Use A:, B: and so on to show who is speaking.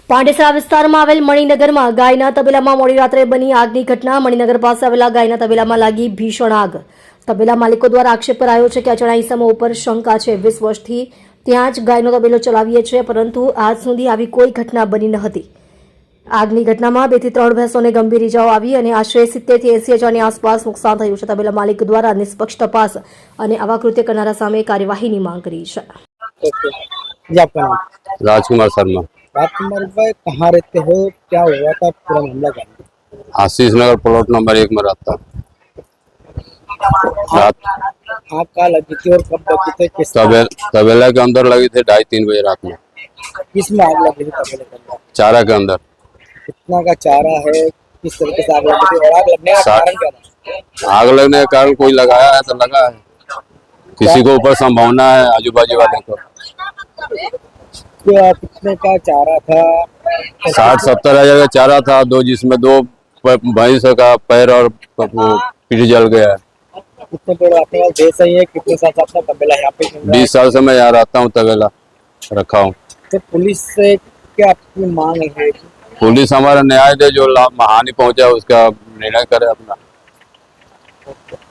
A: પાંડેસરા વિસ્તારમાં આવેલ મણિનગરમાં ગાયના તબેલામાં મોડી રાત્રે બની આગની ઘટના। મણિનગર પાસે આવેલા ગાયના તબેલામાં લાગી ભીષણ આગ। તબેલા માલિકો દ્વારા આક્ષેપ કરાયો છે કે અજાણ્યા ઇસમો ઉપર શંકા છે। 20 વર્ષથી ત્યાં જ ગાયનો તબેલો ચલાવીએ છે, પરંતુ આજ સુધી આવી કોઈ ઘટના બની ન હતી। આગની ઘટનામાં 2 થી 3 ભેંસોને ગંભીર ઇજાઓ આવી અને આશરે 70 થી 80 હજારની આસપાસ નુકસાન થયું છે। તબેલા માલિક દ્વારા નિષ્પક્ષ તપાસ અને આવા કૃત્ય કરનારા સામે કાર્યવાહીની માંગ કરી છે।
B: जी, आपका नाम?
C: राजकुमार शर्मा।
B: राजकुमार भाई, कहाँ रहते हो, क्या हुआ था, पूरा मामला क्या है?
C: आशीष नगर प्लॉट नंबर 1 में रहता। रात
B: आग कहाँ लगी थी और कब लगी थी, किस
C: तबेला के अंदर लगी थी 2:30-3 बजे रात में।
B: किस में आग लगी थी तबेले के अंदर?
C: चारा के अंदर।
B: कितना का चारा है, किस तरीके से आग लगी थी और आग लगने का कारण क्या था?
C: आग लगने के कारण कोई लगाया है तो लगा है, किसी को ऊपर संभावना है आजू बाजू वाले को।
B: कितने का चारा था?
C: 60-70 हजार का चारा था, जिसमें 2 भैंस का पैर और पीठ जल गया है।
B: कितने पेड़ आपके पास भैंस है? कितने साल से अपना तबेला यहाँ पे?
C: 20 साल से मैं यहाँ रहता हूँ, तबेला रखा हूँ।
B: तो पुलिस से क्या आपकी मांग है?
C: पुलिस हमारा न्याय दे, जो हानि पहुंचा उसका निर्णय करे अपना।